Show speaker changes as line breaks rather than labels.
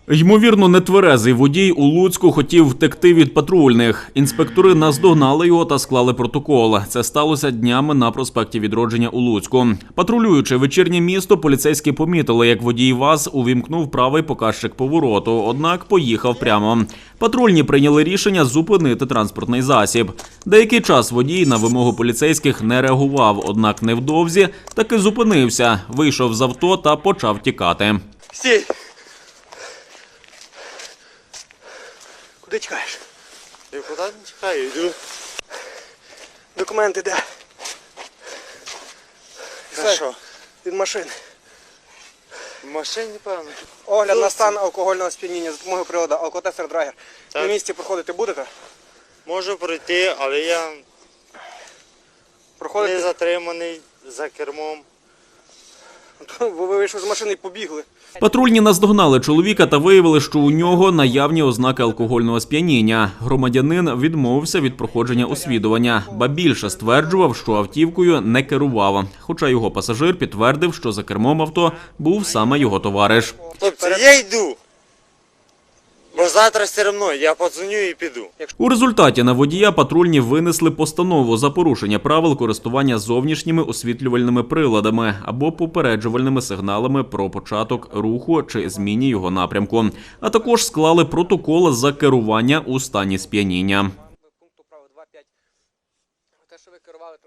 Ймовірно, нетверезий водій у Луцьку хотів втекти від патрульних. Інспектори наздогнали його та склали протокол. Це сталося днями на проспекті Відродження у Луцьку. Патрулюючи вечірнє місто, поліцейські помітили, як водій ВАЗ увімкнув правий показчик повороту, однак поїхав прямо. Патрульні прийняли рішення зупинити транспортний засіб. Деякий час водій на вимогу поліцейських не реагував, однак невдовзі таки зупинився, вийшов з авто та почав тікати.
Стій! Куди тікаєш?
Я куди не тікаю, йду.
Документи де?
За що?
Від машини.
В машині, певно.
Огляд на стан алкогольного сп'яніння за допомогою приладу алкотестер Драгер.
Так.
На місці проходити будете?
Можу пройти, але я не
Проходите?
затриманий за кермом.
Ви вийшли з машини і побігли.
Патрульні наздогнали чоловіка та виявили, що у нього наявні ознаки алкогольного сп'яніння. Громадянин відмовився від проходження освідування, ба більше стверджував, що автівкою не керував. Хоча його пасажир підтвердив, що за кермом авто був саме його товариш.
Хлопці, я йду. Бо завтра все одно я подзвоню і піду.
У результаті на водія патрульні винесли постанову за порушення правил користування зовнішніми освітлювальними приладами або попереджувальними сигналами про початок руху чи зміні його напрямку, а також склали протокол за керування у стані сп'яніння.